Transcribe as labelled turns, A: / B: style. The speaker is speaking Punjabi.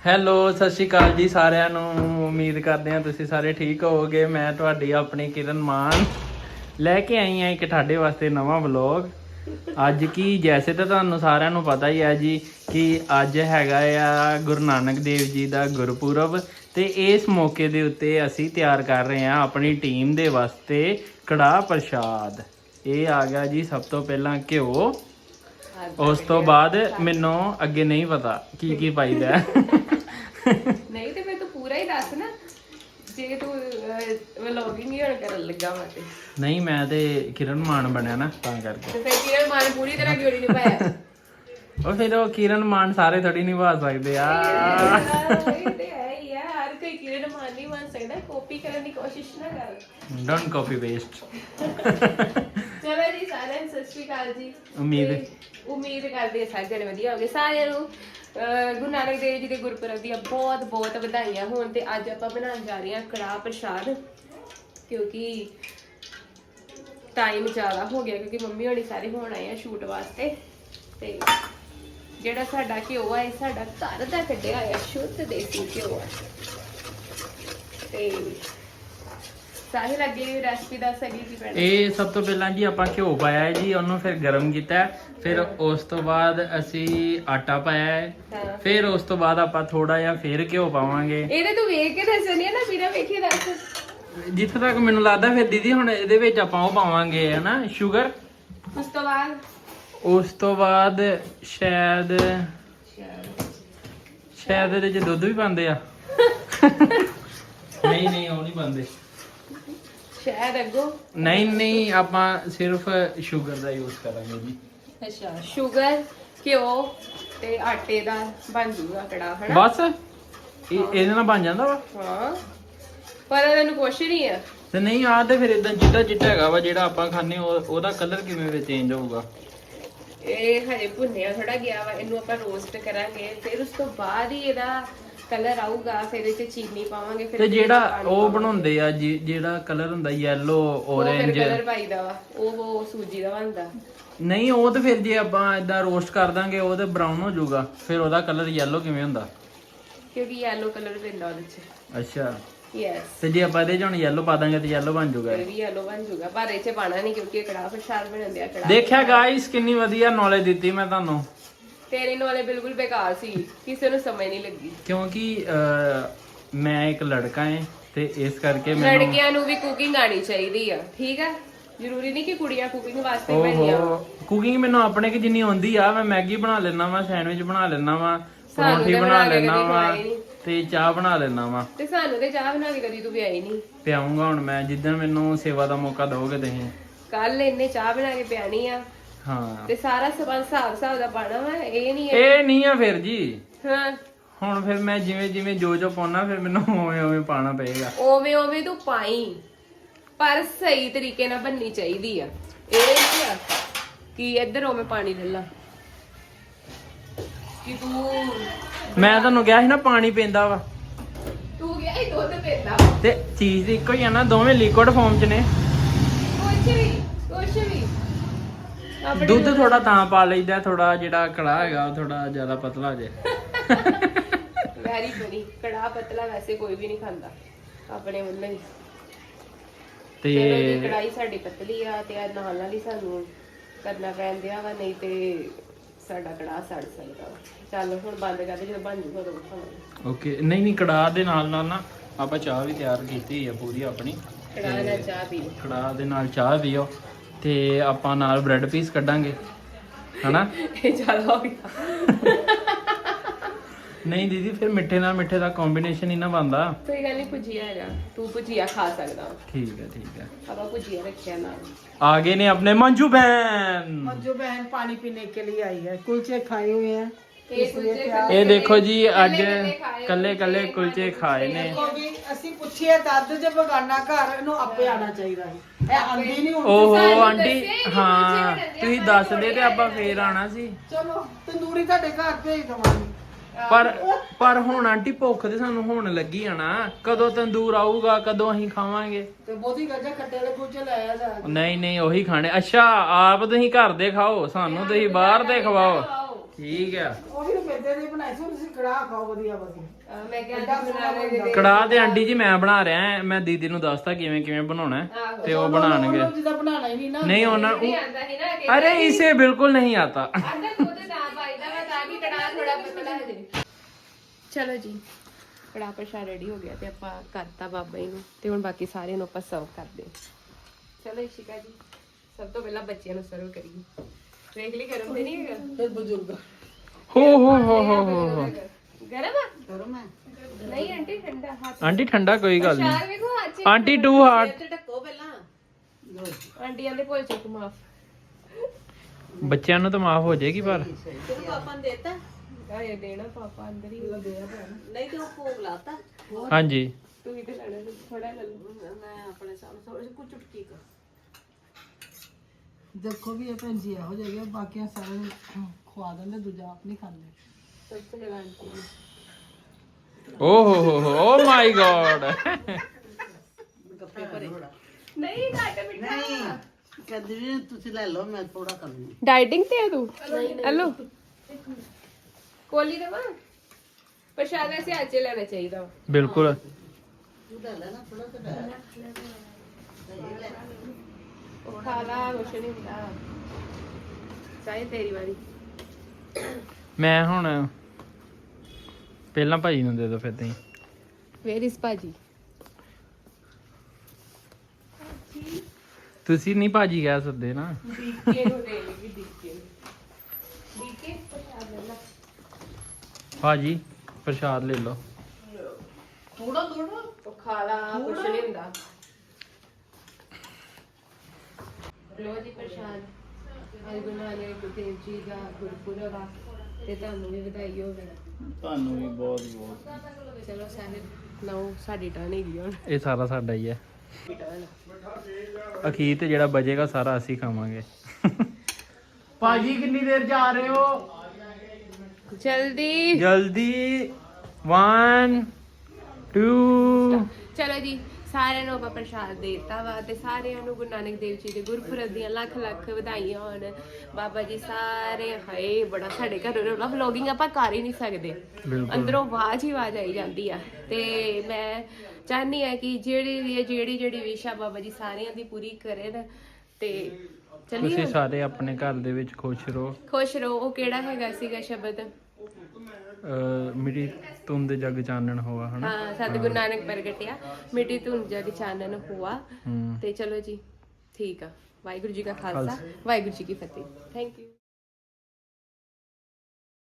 A: ਹੈਲੋ ਸਤਿ ਸ਼੍ਰੀ ਅਕਾਲ ਜੀ ਸਾਰਿਆਂ ਨੂੰ। ਉਮੀਦ ਕਰਦੇ ਹਾਂ ਤੁਸੀਂ ਸਾਰੇ ਠੀਕ ਹੋਵੋਗੇ। ਮੈਂ ਤੁਹਾਡੀ ਆਪਣੀ ਕਿਰਨ ਮਾਨ ਲੈ ਕੇ ਆਈ ਹਾਂ ਇੱਕ ਤੁਹਾਡੇ ਵਾਸਤੇ ਨਵਾਂ ਵਲੌਗ। ਅੱਜ ਕੀ ਜੈਸੇ ਤਾਂ ਤੁਹਾਨੂੰ ਸਾਰਿਆਂ ਨੂੰ ਪਤਾ ਹੀ ਹੈ ਜੀ ਕਿ ਅੱਜ ਹੈਗਾ ਆ ਗੁਰੂ ਨਾਨਕ ਦੇਵ ਜੀ ਦਾ ਗੁਰਪੁਰਬ, ਤੇ ਇਸ ਮੌਕੇ ਦੇ ਉੱਤੇ ਅਸੀਂ ਤਿਆਰ ਕਰ ਰਹੇ ਹਾਂ ਆਪਣੀ ਟੀਮ ਦੇ ਵਾਸਤੇ ਕੜਾਹ ਪ੍ਰਸ਼ਾਦ। ਇਹ ਆ ਗਿਆ ਜੀ ਸਭ ਤੋਂ ਪਹਿਲਾਂ ਘਿਓ, ਉਸ ਤੋਂ ਬਾਅਦ ਮੈਨੂੰ ਅੱਗੇ ਨਹੀਂ ਪਤਾ ਕੀ ਕੀ ਪਾਈਦਾ।
B: ਨਹੀਂ ਤੇ ਫਿਰ ਤੂੰ ਪੂਰਾ ਹੀ ਦੱਸ ਨਾ, ਜੇ ਤੂੰ ਵਲੌਗਿੰਗ ਹੀ ਹੁਣ ਕਰਨ ਲੱਗਾ ਵਾ ਤੇ
A: ਨਹੀਂ ਮੈਂ ਤੇ ਕਿਰਨ ਮਾਨ ਬਣਿਆ ਨਾ ਤਾਂ ਕਰਕੇ।
B: ਤੇ ਫਿਰ ਕਿਰਨ ਮਾਨ ਪੂਰੀ ਤਰ੍ਹਾਂ ਕਿਉਂ ਨਹੀਂ ਨਿਭਾਇਆ?
A: ਉਹ ਫਿਰ ਉਹ ਕਿਰਨ ਮਾਨ ਸਾਰੇ ਥੋੜੀ ਨਿਭਾ ਸਕਦੇ ਆ।
B: ਇਹ ਤੇ ਹੈ ਹੀ ਆ, ਹਰ ਕੋਈ ਕਿਰਨ ਮਾਨ ਨਹੀਂ ਬਣ ਸਕਦਾ। ਕਾਪੀ ਕਰਨ ਦੀ ਕੋਸ਼ਿਸ਼ ਨਾ ਕਰ।
A: Don't copy waste.
B: ਚਲੋ ਜੀ ਸਾਰਿਆਂ ਨੂੰ ਸਤਿ ਸ਼੍ਰੀ ਅਕਾਲ ਜੀ। ਉਮੀਦ ਕਰਦੇ ਹਾਂ ਸਾਰੇ ਜਣੇ ਵਧੀਆ ਹੋਗੇ। ਸਾਰਿਆਂ ਨੂੰ ਗੁਰੂ ਨਾਨਕ ਦੇਵ ਜੀ ਦੇ ਗੁਰਪੁਰਬ ਦੀਆਂ ਬਹੁਤ ਬਹੁਤ ਵਧਾਈਆਂ ਹੋਣ। ਤੇ ਅੱਜ ਆਪਾਂ ਬਣਾਉਣ ਜਾ ਰਹੇ ਹਾਂ ਕੜਾਹ ਪ੍ਰਸ਼ਾਦ, ਕਿਉਂਕਿ ਟਾਈਮ ਜ਼ਿਆਦਾ ਹੋ ਗਿਆ, ਕਿਉਂਕਿ ਮੰਮੀ ਹੋਣੀ ਸਾਰੇ ਹੋਣ ਆਏ ਆ ਸ਼ੂਟ ਵਾਸਤੇ। ਤੇ ਜਿਹੜਾ ਸਾਡਾ ਘਿਓ ਆ ਇਹ ਸਾਡਾ ਘਰ ਦਾ ਕੱਢਿਆ ਹੋਇਆ ਸ਼ੁੱਧ ਦੇਸੀ ਘਿਓ ਆ। ਤੇ ਸਾਹਿਲ ਲੱਗੇ ਰੈਸਪੀ ਦੱਸ ਸਕੀ ਕੀ ਪੈਣਾ।
A: ਇਹ ਸਭ ਤੋਂ ਪਹਿਲਾਂ ਜੀ ਆਪਾਂ ਘਿਓ ਪਾਇਆ ਹੈ ਜੀ, ਉਹਨੂੰ ਫਿਰ ਗਰਮ ਕੀਤਾ, ਫਿਰ ਉਸ ਤੋਂ ਬਾਅਦ ਅਸੀਂ ਆਟਾ ਪਾਇਆ ਹੈ, ਫਿਰ ਉਸ ਤੋਂ ਬਾਅਦ ਆਪਾਂ ਥੋੜਾ ਜਿਹਾ ਫਿਰ ਘਿਓ ਪਾਵਾਂਗੇ।
B: ਇਹਦੇ ਤੂੰ ਵੇਖ ਕੇ ਦੱਸਣੀ ਹੈ ਨਾ, ਬਿਨਾਂ ਵੇਖੇ ਦੱਸ।
A: ਜਿੱਥੇ ਤੱਕ ਮੈਨੂੰ ਲੱਗਦਾ ਫਿਰ ਦੀਦੀ ਹੁਣ ਇਹਦੇ ਵਿੱਚ ਆਪਾਂ ਉਹ ਪਾਵਾਂਗੇ ਹਨਾ ਸ਼ੂਗਰ। ਉਸ ਤੋਂ ਬਾਅਦ ਸ਼ਾਇਦ ਇਹਦੇ ਵਿੱਚ ਦੁੱਧ ਵੀ ਪਾਉਂਦੇ ਆ। ਨਹੀਂ ਉਹ ਨਹੀਂ ਪਾਉਂਦੇ
B: ਸ਼ਾਇਦ ਅੱਗੋਂ।
A: ਨਹੀਂ ਆਪਾਂ ਸਿਰਫ ਸ਼ੂਗਰ ਦਾ ਯੂਜ਼ ਕਰਾਂਗੇ ਜੀ।
B: ਅੱਛਾ, ਸ਼ੂਗਰ ਘਿਓ ਤੇ ਆਟੇ ਦਾ ਬਣ ਜੂਗਾ ਕੜਾਹ ਹਨਾ।
A: ਬਸ ਇਹਦੇ ਨਾਲ ਬਣ ਜਾਂਦਾ ਵਾ।
B: ਹਾਂ, ਪਰ ਇਹਨੂੰ ਕੁਛ ਨਹੀਂ ਆ।
A: ਤੇ ਨਹੀਂ ਆ ਤੇ ਫਿਰ ਇਦਾਂ ਚਿੱਟਾ ਹੈਗਾ ਵਾ ਜਿਹੜਾ ਆਪਾਂ ਖਾਣੇ, ਉਹਦਾ ਕਲਰ ਕਿਵੇਂ ਵਿੱਚ ਚੇਂਜ ਹੋਊਗਾ?
B: ਇਹ ਹਜੇ ਭੁੰਨਿਆ ਥੋੜਾ ਗਿਆ ਵਾ, ਇਹਨੂੰ ਆਪਾਂ ਰੋਸਟ ਕਰਾਂਗੇ, ਫਿਰ ਉਸ ਤੋਂ ਬਾਅਦ ਹੀ ਇਹਦਾ ਕਲਰ ਆਊਗਾ। ਫਿਰ ਇਹਦੇ ਚ ਚੀਨੀ ਪਾਵਾਂਗੇ। ਫਿਰ
A: ਤੇ ਜਿਹੜਾ ਉਹ ਬਣਾਉਂਦੇ ਆ ਜਿਹੜਾ ਕਲਰ ਹੁੰਦਾ ਯੈਲੋ ਔਰੇਂਜ
B: ਕਲਰ ਪਾਈਦਾ ਵਾ, ਉਹ ਸੂਜੀ ਦਾ ਬਣਦਾ।
A: ਨਹੀਂ ਉਹ ਤੇ ਫਿਰ ਜੇ ਆਪਾਂ ਇਦਾਂ ਰੋਸਟ ਕਰ ਦਾਂਗੇ ਉਹ ਤੇ ਬਰਾਊਨ ਹੋ ਜਾਊਗਾ, ਫਿਰ ਉਹਦਾ ਕਲਰ ਯੈਲੋ ਕਿਵੇਂ ਹੁੰਦਾ?
B: ਕਿਉਂਕਿ ਯੈਲੋ ਕਲਰ ਪੈਂਦਾ ਉਹਦੇ ਚ।
A: ਅੱਛਾ,
B: ਯੈਸ।
A: ਤੇ ਜੇ ਆਪਾਂ ਇਹਦੇ ਚ ਹੁਣ ਯੈਲੋ ਪਾ ਦਾਂਗੇ ਤੇ ਯੈਲੋ ਬਣ ਜਾਊਗਾ।
B: ਇਹ ਵੀ ਯੈਲੋ ਬਣ ਜਾਊਗਾ, ਪਰ ਇਹ ਚ ਪਾਣਾ ਨਹੀਂ ਕਿਉਂਕਿ ਕੜਾਹ ਪ੍ਰਸ਼ਾਦ ਬਣਾਉਂਦੇ ਆ। ਕੜਾਹ
A: ਦੇਖਿਆ ਗਾਇਸ ਕਿੰਨੀ ਵਧੀਆ ਨੌਲੇਜ ਦਿੱਤੀ ਮੈਂ ਤੁਹਾਨੂੰ।
B: ਤੇਰੇ ਨਾਲੇ ਬਿਲਕੁਲ ਬੇਕਾਰ ਸੀ, ਕਿਸੇ ਨੂੰ ਸਮਝ ਨਹੀਂ ਲੱਗੀ।
A: ਕਿਉਂਕਿ ਮੈਂ ਇੱਕ ਲੜਕਾ ਹਾਂ ਤੇ ਇਸ ਕਰਕੇ ਮੈਨੂੰ
B: ਲੜਕਿਆਂ ਨੂੰ ਵੀ ਕੁਕਿੰਗ ਆਣੀ ਚਾਹੀਦੀ ਆ, ਠੀਕ ਆ? ਜ਼ਰੂਰੀ ਨਹੀਂ ਕਿ ਕੁੜੀਆਂ ਕੁਕਿੰਗ ਵਾਸਤੇ ਬਣੀਆਂ।
A: ਕੁਕਿੰਗ ਮੈਨੂੰ ਆਪਣੇ ਕਿ ਜਿੰਨੀ ਆਉਂਦੀ ਆ। ਮੈਂ ਮੈਗੀ ਬਣਾ ਲੈਣਾ ਵਾ, ਸੈਂਡਵਿਚ ਬਣਾ ਲੈਣਾ ਵਾ, ਪਰੌਂਠੀ ਬਣਾ ਲੈਣਾ ਵਾ, ਤੇ ਚਾਹ ਬਣਾ ਲੈਣਾ ਵਾ। ਤੇ
B: ਸਾਨੂੰ ਤੇ ਚਾਹ ਬਣਾ ਕੇ ਕਦੀ ਤੂੰ ਪਿਆਈ ਨਹੀਂ।
A: ਪਿਆਉਂਗਾ ਹੁਣ ਮੈਂ, ਜਿੱਦਣ ਮੈਨੂੰ ਸੇਵਾ ਦਾ ਮੌਕਾ ਦਿਓਗੇ ਤੁਸੀਂ।
B: ਕੱਲ ਇਹਨੇ ਚਾਹ ਬਣਾ ਕੇ ਪਿਆਣੀ ਆ।
A: ਹਾਂ,
B: ਤੇ ਸਾਰਾ ਸਮਾਨ ਹਿਸਾਬ ਦਾ ਪਾਣਾ ਵਾ, ਇਹ
A: ਨਹੀਂ ਆ ਫਿਰ ਜੀ।
B: ਹਾਂ, ਹੁਣ
A: ਫਿਰ ਮੈਂ ਜਿਵੇਂ ਜੋ ਪਾਉਣਾ ਫਿਰ ਮੈਨੂੰ ਉਵੇਂ ਪਾਣਾ ਪਏਗਾ।
B: ਉਵੇਂ ਤੂੰ ਪਾਈ, ਪਰ ਸਹੀ ਤਰੀਕੇ ਨਾਲ ਬਣਨੀ ਚਾਹੀਦੀ ਆ। ਇਹ ਨਹੀਂ ਆ ਕਿ ਇੱਧਰ ਉਵੇਂ ਪਾਣੀ ਲੈ ਲਾ ਕਿ ਤੂੰ। ਮੈਂ
A: ਤੁਹਾਨੂੰ ਕਿਹਾ ਸੀ ਨਾ ਪਾਣੀ ਪੈਂਦਾ ਵਾ।
B: ਤੂੰ ਗਿਆ ਹੀ ਦੁੱਧ ਪੈਂਦਾ
A: ਤੇ ਚੀਜ਼ ਇੱਕੋ ਹੀ ਆ ਨਾ, ਦੋਵੇਂ ਲਿਕੁਇਡ ਫਾਰਮ ਚ ਨੇ।
B: ਕੁਛ ਵੀ
A: ਦੁੱਧ ਥੋੜਾ ਤਾਂ ਪਾ ਲਈਦਾ, ਥੋੜਾ ਜਿਹੜਾ ਕੜਾਹ ਹੈਗਾ ਉਹ ਥੋੜਾ ਜ਼ਿਆਦਾ ਪਤਲਾ ਜੇ।
B: ਵੈਰੀ ਬਣੀ ਕੜਾਹ ਪਤਲਾ ਵੈਸੇ ਕੋਈ ਵੀ ਨਹੀਂ ਖਾਂਦਾ ਆਪਣੇ ਵੱਲੋਂ ਹੀ। ਤੇ ਕੜਾਈ ਸਾਡੀ ਪਤਲੀ ਆ ਤੇ ਨਾਲ ਹੀ ਸਾਨੂੰ ਕਰਨਾ ਪੈਂਦਾ ਵਾ, ਨਹੀਂ ਤੇ ਸਾਡਾ ਕੜਾਹ ਸੜ ਸਕਦਾ ਵਾ। ਚੱਲ ਹੁਣ ਬੰਦ ਕਰਦੇ, ਜਦੋਂ ਬਣ ਜੂਗਾ ਉਦੋਂ ਖਾਵਾਂਗੇ।
A: ਓਕੇ। ਨਹੀਂ ਕੜਾਹ ਦੇ ਨਾਲ ਨਾ ਆਪਾਂ ਚਾਹ ਵੀ ਤਿਆਰ ਕੀਤੀ ਹੈ ਪੂਰੀ ਆਪਣੀ।
B: ਕੜਾਹ ਨਾਲ ਚਾਹ ਪੀ ਲਓ।
A: ਕੜਾਹ ਦੇ ਨਾਲ ਚਾਹ ਪੀਓ ਤੇ ਆਪਾਂ ਨਾਲ ਬ੍ਰੈਡ ਪੀਸ ਕੱਢਾਂਗੇ ਹਨਾ।
B: ਇਹ ਜ਼ਿਆਦਾ ਹੋ ਗਿਆ।
A: ਨਹੀਂ ਦੀਦੀ ਫਿਰ ਮਿੱਠੇ ਨਾਲ ਮਿੱਠੇ ਦਾ ਕੰਬੀਨੇਸ਼ਨ ਹੀ ਨਾ ਬਣਦਾ।
B: ਕੋਈ ਗੱਲ ਨਹੀਂ, ਭੁਜੀਆ ਹੈਗਾ, ਤੂੰ ਭੁਜੀਆ ਖਾ ਸਕਦਾ।
A: ਠੀਕ ਹੈ।
B: ਆਪਾਂ ਭੁਜੀਆ ਰੱਖਿਆ ਨਾਲ।
A: आ गए ने अपने मंजू बहन
C: पानी पीने के लिए आई है। कुलचे खाए हुए हैं।
A: ये देखो जी अज कल्ले कल्ले कुलचे खाए ने।
C: ਅਸੀਂ ਪੁੱਛਿਆ ਦੱਦ ਜੇ ਬਗਾਨਾ ਘਰ ਇਹਨੂੰ ਆਪੇ ਆਣਾ ਚਾਹੀਦਾ ਹੈ। ਇਹ ਆਂਦੀ ਨਹੀਂ ਹੁਣ।
A: ਓਹੋ ਆਂਟੀ, ਹਾਂ ਤੁਸੀਂ ਦੱਸਦੇ ਤੇ ਆਪਾਂ ਫੇਰ ਆਣਾ ਸੀ।
C: ਚਲੋ ਤੰਦੂਰੀ ਤੁਹਾਡੇ ਘਰ ਭੇਜ ਦਵਾਂਗੀ।
A: ਪਰ ਹੁਣ ਆਂਟੀ ਭੁੱਖ ਤੇ ਸਾਨੂੰ ਹੋਣ ਲੱਗੀ ਆ ਨਾ, ਕਦੋਂ ਤੰਦੂਰ ਆਊਗਾ, ਕਦੋਂ ਅਸੀਂ ਖਾਵਾਂਗੇ?
C: ਤੇ ਬਹੁਤੀ ਗੱਜਾ ਖੱਟੇ ਵਾਲੇ ਕੁਲਚੇ ਲੈ ਆ ਜਾ।
A: ਨਹੀਂ ਉਹੀ ਖਾਣੇ। ਅੱਛਾ ਆਪ ਤੁਸੀਂ ਘਰ ਦੇ ਖਾਓ, ਸਾਨੂੰ ਤੁਸੀਂ ਬਾਹਰ ਦੇ ਖਵਾਓ। ਠੀਕ ਆ।
C: ਉਹ ਵੀ ਮੈਦੇ ਦੇ ਬਣਾਏ ਸੀ, ਤੁਸੀਂ ਕੜਾਹ ਖਾਓ ਵਧੀਆ ਵਧੀਆ।
B: ਮੈਂ ਕਿਹਾ ਅੱਜ ਗੁਰੂ ਨਾਨਕ ਦੇਵ
A: ਕੜਾਹ ਤੇ ਆਂਟੀ ਜੀ ਮੈਂ ਬਣਾ ਰਿਹਾ ਹਾਂ, ਮੈਂ ਦੀਦੀ ਨੂੰ ਦੱਸਤਾ ਕਿਵੇਂ ਕਿਵੇਂ ਬਣਾਉਣਾ ਹੈ, ਤੇ ਉਹ ਬਣਾਣਗੇ।
C: ਉਹਨੂੰ ਜਿੱਦਾਂ ਬਣਾਉਣਾ ਹੀ ਨਹੀਂ ਨਾ।
A: ਨਹੀਂ ਉਹਨਾਂ
B: ਨਹੀਂ ਆਂਦਾ ਸੀ ਨਾ ਕਿ
A: अरे इसे बिल्कुल नहीं आता।
B: ਆਂਦਾ ਖੁਦ ਨਾ ਪਾਈਦਾ ਵਾ ਤਾਂ ਕਿ ਕੜਾਹ ਥੋੜਾ ਪਤਲਾ ਹੋ ਜਾਏ। ਚਲੋ ਜੀ ਕੜਾਹ ਪ੍ਰਸ਼ਾਦ ਰੈਡੀ ਹੋ ਗਿਆ ਤੇ ਆਪਾਂ ਕਰਤਾ ਬਾਬਾ ਜੀ ਨੂੰ ਤੇ ਹੁਣ ਬਾਕੀ ਸਾਰਿਆਂ ਨੂੰ ਆਪਾਂ ਸਰਵ ਕਰਦੇ ਹਾਂ। ਚਲੋ ਇਸ਼ਿਕਾ ਜੀ ਸਭ ਤੋਂ ਪਹਿਲਾਂ ਬੱਚਿਆਂ ਨੂੰ ਸਰਵ ਕਰੀਏ। ਵੇਖ ਲਈ ਗਰਮ ਤੇ ਨਹੀਂ ਹੈਗਾ?
C: ਫਿਰ ਬਜ਼ੁਰਗ
A: हो
B: ਗਰਮ ਆ?
C: ਕਰੋ ਮੈਂ
B: ਨਹੀਂ ਆਂਟੀ ਠੰਡਾ ਹੱਥ
A: आंटी ठंडा कोई गल नहीं।
B: ਪ੍ਰਸ਼ਾਦ ਵੇਖੋ ਹੱਥ 'ਚ।
A: आंटी टू हार्ट
C: ਤੇ ਢੱਕੋ ਪਹਿਲਾਂ।
B: ਆਂਟੀਆਂ ਦੇ ਭੁੱਲ ਚੁੱਕ ਮਾਫ।
A: ਬੱਚਿਆਂ ਨੂੰ ਤਾਂ ਮਾਫ ਹੋ ਜਾਏਗੀ ਪਰ
C: ਤੈਨੂੰ ਪਾਪਾ ਨੇ ਦੇਤਾ?
B: ਆਏ ਦੇਣਾ ਪਾਪਾ ਅੰਦਰ ਹੀ
C: ਨਹੀਂ ਤੇ ਉਹ ਭੋਗ ਲਾਤਾ।
A: ਹਾਂਜੀ
B: ਤੂੰ ਹੀ ਤੇ ਲੈਣਾ ਥੋੜਾ ਲੈ ਲਓ।
C: ਮੈਂ ਆਪਣੇ ਸਾਹਮਣੇ ਥੋੜੀ ਜਿਹੀ ਕੁ ਚੁਟਕੀ ਕਰ। ਦੇਖੋ ਵੀ ਇਹ ਭੈਣ ਜੀ ਇਹੋ ਜਿਹੇ ਆ, ਬਾਕੀਆਂ ਸਾਰੇ ਨੂੰ ਖਵਾ ਦਿੰਦੇ, ਦੂਜਾ ਆਪ ਨਹੀਂ ਖਾਂਦੇ।
B: ਸਭ ਤੋਂ ਜ਼ਿਆਦਾ ਆਂਟੀ ਨੂੰ।
A: Oh my God.
C: ਗੱਪੇ ਭਰੇ
B: ਨਹੀਂ ਘੱਟ ਮਿੱਠਾ।
C: ਕਹਿੰਦੀ ਵੀ ਤੁਸੀਂ ਲੈ ਲਓ, ਮੈਂ ਥੋੜਾ ਕਰ ਲੂੰ।
B: ਡਾਈਟਿੰਗ ਤੇ ਆ ਤੂੰ? ਹਲੋ ਕੋਲੀ ਦਵਾ ਪ੍ਰਸ਼ਾਦ ਐਸੇ ਅੱਜ ਲੈਣਾ ਚਾਹੀਦਾ ਵਾ।
A: बिल्कुल
C: ਤੂੰ ਲੈ ਲੈ ਨਾ ਥੋੜਾ ਜਿਹਾ।
B: ਉਹ ਖਾ ਲਾ ਕੁਛ ਨਹੀਂ ਹੁੰਦਾ। ਚਾਹੇ ਤੇਰੀ ਵਾਰੀ।
A: ਮੈਂ ਹੁਣ ਪਹਿਲਾਂ ਭਾਜੀ ਨੂੰ ਦੇ ਦੋ ਫਿਰ ਤੁਸੀਂ।
B: ਵੇਰ ਇਸ ਭਾਜੀ।
A: ਤੁਸੀਂ ਨਹੀਂ ਭਾਜੀ ਕਹਿ ਸਕਦੇ ਨਾ।
B: ਡੀਕੇ ਨੂੰ ਦੇ ਲੇਗੀ ਡੀਕੇ ਨੂੰ। ਡੀਕੇ ਪ੍ਰਸ਼ਾਦ ਲੈ ਲਾ।
A: ਭਾਜੀ ਪ੍ਰਸ਼ਾਦ ਲੈ ਲਓ।
C: ਥੋੜਾ ਥੋੜਾ
B: ਉਹ ਖਾ ਲਾ ਕੁਛ ਨਹੀਂ ਹੁੰਦਾ। ਲੋ ਜੀ ਪ੍ਰਸ਼ਾਦ। ਅੱਜ ਗੁਰੂ ਨਾਨਕ ਦੇਵ ਜੀ ਦਾ ਗੁਰਪੁਰਬ ਆ ਤੇ ਤੁਹਾਨੂੰ ਵੀ ਵਧਾਈ ਹੋਵੇ।
A: ਤੁਹਾਨੂੰ ਵੀ ਬਹੁਤ ਬਹੁਤ।
B: ਚਲੋ ਸਾਰੇ ਲਓ ਸਾਡੀ ਟਰਨ ਹੈਗੀ ਹੁਣ।
A: ਇਹ ਸਾਰਾ ਸਾਡਾ ਹੀ ਹੈ।
B: ਟਰਨ
A: ਅਖੀਰ ਤੇ ਜਿਹੜਾ ਬਚੇਗਾ ਸਾਰਾ ਅਸੀਂ ਖਾਵਾਂਗੇ। ਭਾਜੀ ਕਿੰਨੀ ਦੇਰ ਜਾ ਰਹੇ ਹੋ?
B: ਜਲਦੀ।
A: ਜਲਦੀ 1 2
B: ਚਲੋ ਜੀ ਸਾਰਿਆਂ ਨੂੰ ਆਪਾਂ ਪ੍ਰਸ਼ਾਦ ਦੇ ਦਿੱਤਾ ਵਾ ਤੇ ਸਾਰਿਆਂ ਨੂੰ ਗੁਰੂ ਨਾਨਕ ਦੇਵ ਜੀ ਦੇ ਗੁਰਪੁਰਬ ਦੀਆਂ ਲੱਖ ਲੱਖ ਵਧਾਈਆਂ ਹੋਣ। ਬਾਬਾ ਜੀ ਸਾਰੇ ਹਾਏ ਬੜਾ ਸਾਡੇ ਘਰ ਰੋਲਾ ਵਲੋਗਿੰਗ ਆਪਾਂ ਕਰ ਹੀ ਨਹੀਂ ਸਕਦੇ।
A: ਬਿਲਕੁਲ
B: ਅੰਦਰੋਂ ਆਵਾਜ਼ ਹੀ ਆਵਾਜ਼ ਆਈ ਜਾਂਦੀ ਆ ਤੇ ਮੈਂ ਚਾਹਨੀ ਆ ਕਿ ਜਿਹੜੀ ਵਿਸ਼ਾ ਬਾਬਾ ਜੀ ਸਾਰਿਆਂ ਦੀ ਪੂਰੀ ਕਰਨ ਤੇ
A: ਤੁਸੀਂ
B: ਚੱਲੀਏ
A: ਸਾਰੇ ਆਪਣੇ ਘਰ ਦੇ ਵਿੱਚ ਖੁਸ਼ ਰਹੋ।
B: ਖੁਸ਼ ਰਹੋ। ਉਹ ਕਿਹੜਾ ਹੈਗਾ ਸੀਗਾ ਸ਼ਬਦ?
A: ਮਿੱਟੀ ਧੁੰਦ ਜਗ ਚਾਨਣ ਹੋਆ ਹਨਾ।
B: ਹਾਂ ਸਤਿਗੁਰੂ ਨਾਨਕ ਪ੍ਰਗਟਿਆ ਮਿੱਟੀ ਧੁੰਦ ਜਗ ਚਾਨਣ ਹੋਆ।
A: ਹੂੰ
B: ਤੇ ਚਲੋ ਜੀ ਠੀਕ ਆ। ਵਾਹਿਗੁਰੂ ਜੀ ਕਾ ਖਾਲਸਾ ਵਾਹਿਗੁਰੂ ਜੀ ਕੀ ਫਤਿਹ। Thank you.